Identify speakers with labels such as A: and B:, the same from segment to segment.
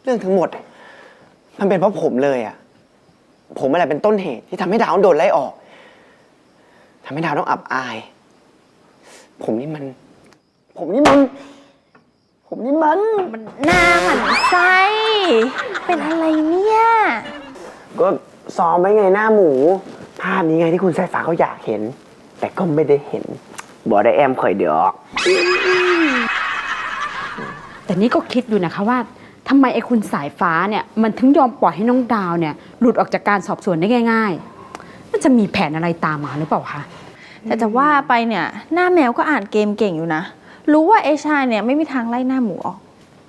A: รื่องทั้งหมดมันเป็นเพราะผมเลยอ่ะผมอะไรเป็นต้นเหตุที่ทำให้ดาวโดนไล่ออกทำให้ดาวต้องอับอายผมนี่มัน
B: หน้าหมันไส้เป็นอะไรเนี่ย
A: ก็ซ้อมไว้ไงหน้าหมูภาพนี้ไงที่คุณสายฟ้าเขาอยากเห็นแต่ก็ไม่ได้เห็นบอกได้แอมข่อยเดี๋ยว
C: แต่นี่ก็คิดอยู่นะคะว่าทำไมไอ้คุณสายฟ้าเนี่ยมันถึงยอมปล่อยให้น้องดาวเนี่ยหลุดออกจากการสอบสวนได้ง่ายๆมันจะมีแผนอะไรตามมาหรือเปล่าคะ
B: แต่จะว่าไปเนี่ยหน้าแมวก็อ่านเกมเก่งอยู่นะรู้ว่าเอชาเนี่ยไม่มีทางไล่หน้าหมูออก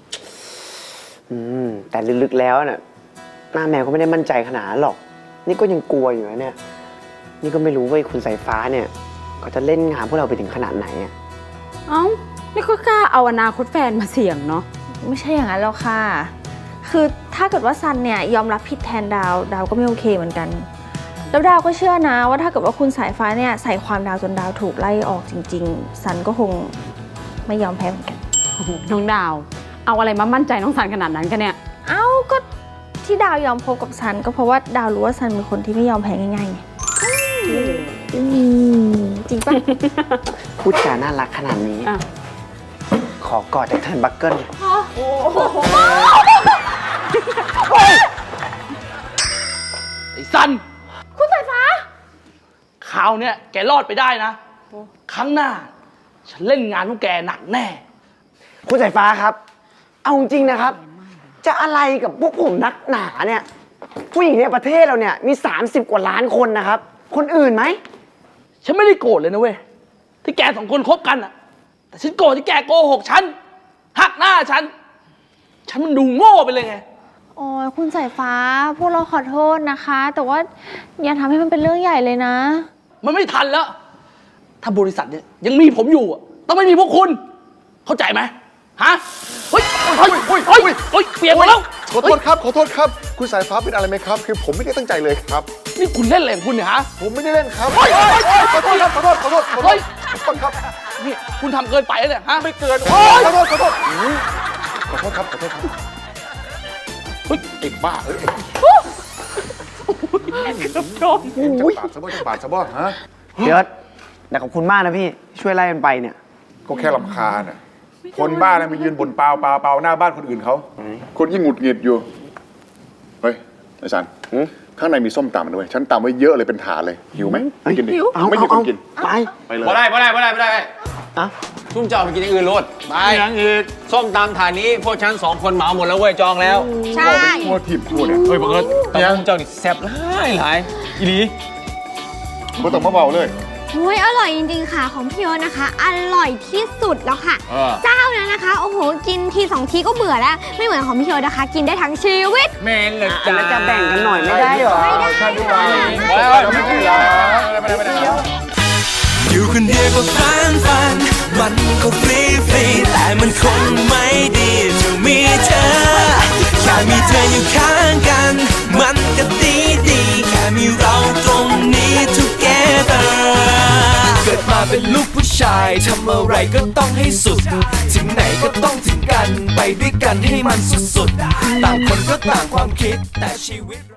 A: แต่ลึกๆแล้วน่ะหน้าแมวก็ไม่ได้มั่นใจขนาดนั้นหรอกนี่ก็ยังกลัวอยู่นะเนี่ยนี่ก็ไม่รู้ว่าคุณสายฟ้าเนี่ยเขาจะเล่นงานพวกเราไปถึงขนาดไหนอ่ะ
C: เอ้านี่ก็กล้าเอาอนาคตแฟนมาเสี่ยงเนาะ
B: ไม่ใช่อย่างนั้นหรอกค่ะคือถ้าเกิดว่าซันเนี่ยยอมรับผิดแทนดาวก็ไม่โอเคเหมือนกันแล้วดาวก็เชื่อนะว่าถ้าเกิดว่าคุณสายฟ้าเนี่ยใส่ความดาวจนดาวถูกไล่ออกจริงๆซันก็คงไม่ยอมแพ้เหมือนกัน
C: น้องดาวเอาอะไรมามั่นใจน้องซันขนาดนั้นกันเนี่ย
B: เอ้าก็ที่ดาวยอมคบกับซันก็เพราะว่าดาวรู้ว่าซันเป็นคนที่ไม่ยอมแพ้ง่ายๆไงจริงปะ
A: พูดจาน่ารักขนาดนี้ขอกอดจากเทิร์นบัคเกิล
D: ไอ้ซัน
B: คุณสายฟ้า
D: คราวเนี้ยแกรอดไปได้นะครั้งหน้าฉันเล่นงานพวกแกหนักแน่
A: คุณสายฟ้าครับเอาจริงนะครับจะอะไรกับพวกผมนักหนาเนี่ยผู้หญิงในประเทศเราเนี่ยมี30 กว่าล้านคนนะครับคนอื่นไหม
D: ฉันไม่ได้โกรธเลยนะเว้ยที่แก2 คนคบกันอะแต่ฉันโกรธที่แกโกหกฉันหักหน้าฉันมันดูโง่ไปเลยไง
B: โอ้ยคุณสายฟ้าพวกเราขอโทษนะคะแต่ว่าอย่าทำให้มันเป็นเรื่องใหญ่เลยนะ
D: มันไม่ทันแล้วถ้าบริษัทเนี่ยยังมีผมอยู่ต้องไม่มีพวกคุณเข้าใจไหมฮะเฮ้ยเปลี่ยนมาแล้ว
E: ขอโทษครับคุณสายฟ้าเป็นอะไรไหมครับคือผมไม่ได้ตั้งใจเลยครับ
D: นี่คุณเล่นอะไรของคุณเนี่ยฮะ
E: ผมไม่ได้เล่นครับขอโทษครับ
D: นี่คุณทำเกินไปแล้วเนี่ยฮะ
E: ไม่เกินขอโทษครับเฮ้ยไอ้บ้าจะบาดซะบ่ฮะ
A: เดี๋ยวแต่ขอบคุณมากนะพี่ช่วยไล่มันไปเนี่ย
E: ก็แค่รำคาญคนบ้านะมายืนบ่นเปล่าหน้าบ้านคนอื่นเขาคนยิ่งหงุดหงิดอยู่เฮ้ยไอ้สันข้างในมีส้มตำด้วยฉันตำไว้เยอะเลยเป็นถาดเลยหิวไหมกินดิไม่หิวกิน
A: ไปเลย
F: ไม่ได้ชุ่มจะออกไปกินอย่างอื่นโลดไปอย่างอื่นส้มตำถาดนี้พวกฉัน2 คนเหมาหมดแล้วเว้ยจองแล้ว
B: ใช่
E: โคตรทิพย์พูดเนี่ย
F: เฮ้ยบังเอิญตำส้มเจ้านี่แซ่บหลายอีหลี
E: ก็ต้องมาเบาเลย
G: อุ้ยอร่อยจริงๆค่ะของพี่โยนะคะอร่อยที่สุดแล้วค่ะเจ้านั้นนะคะโอ้โหกินที2 ทีก็เบื่อแล้วไม่เหมือนของพี่โยนะคะกินได้ทั้งชีวิต
F: แม่นเลยจ้า
A: จะแบ่งกันหน่อยไม่ได้หรอ
G: ไม่ได้ค่ะ
H: อยู่คนเดียวก็ฟันมันก็ฟรีแต่มันคงไม่ดีจะมีเธอแค่มีเธออยู่ข้างกันมันก็ดีแค่มีเราตรงนี้ together เกิดมาเป็นลูกผู้ชายทำอะไรก็ต้องให้สุดถึงไหนก็ต้องถึงกันไปด้วยกันให้มันสุดๆต่างคนก็ต่างความคิดแต่ชีวิต